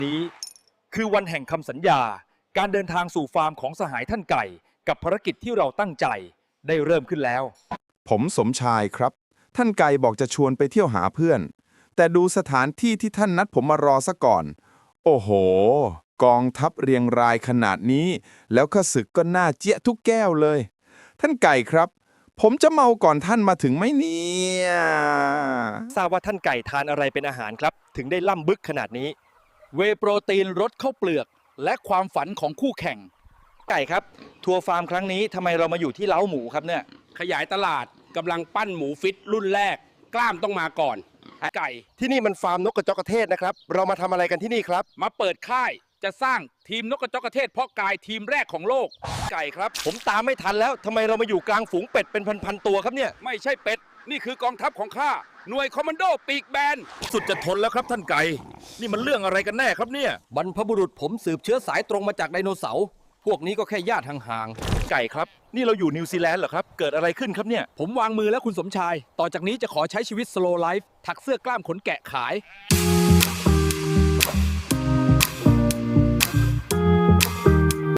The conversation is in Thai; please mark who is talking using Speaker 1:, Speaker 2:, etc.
Speaker 1: นี้คือวันแห่งคำสัญญาการเดินทางสู่ฟาร์มของสหายท่านไก่กับภารกิจที่เราตั้งใจได้เริ่มขึ้นแล้ว
Speaker 2: ผมสมชายครับ ท่านไก่บอกจะชวนไปเที่ยวหาเพื่อน แต่ดูสถานที่ที่ท่านนัดผมมารอซะก่อน โอ้โห กองทัพเรียงรายขนาดนี้ แล้วข้าศึกก็น่าเจี๊ยะทุกแก้วเลย ท่านไก่ครับ ผมจะเมาก่อนท่านมาถึงไหมเนี่ย
Speaker 1: ทราบว่าท่านไก่ทานอะไรเป็นอาหารครับถึงได้ล่ำบึกขนาดนี้
Speaker 3: เวย์โปรตีนรสข้าวเปลือก และความฝันของคู่แข่ง
Speaker 1: ไก่ครับทัวร์ฟาร์มครั้งนี้ทำไมเรามาอยู่ที่เล้าหมูครับเนี่ย
Speaker 4: ขยายตลาดกำลังปั้นหมูฟิตรุ่นแรก กล้ามต้องมาก่อน ไก่
Speaker 1: ที่นี่มันฟาร์มนกกระจอกกระเทศนะครับเรามาทำอะไรกันที่นี่ครับ
Speaker 4: มาเปิดค่ายจะสร้างทีมนกกระจอกกระเทศเพาะกายทีมแรกของโลก
Speaker 1: ไก่ครับผมตามไม่ทันแล้วทำไมเรามาอยู่กลางฝูงเป็ดเป็นพันๆตัวครับเนี่ย
Speaker 4: ไม่ใช่เป็ด นี่คือกองทัพของข้า หน่วยคอมมานโดปีกแบน
Speaker 5: สุดจะทนแล้วครับท่านไก่ นี่มันเรื่องอะไรกันแน่ครับเนี่ย
Speaker 3: บรรพบุรุษผมสืบเชื้อสายตรงมาจากไดโนเสาร์พวกนี้ก็แค่ญาติห่าง
Speaker 1: ไก่ครับนี่เราอยู่นิวซีแลนด์เหรอครับเกิดอะไรขึ้นครับเนี่ย
Speaker 3: ๆผมวางมือแล้วคุณสมชาย ต่อจากนี้จะขอใช้ชีวิต slow life ถักเสื้อกล้ามขนแกะขาย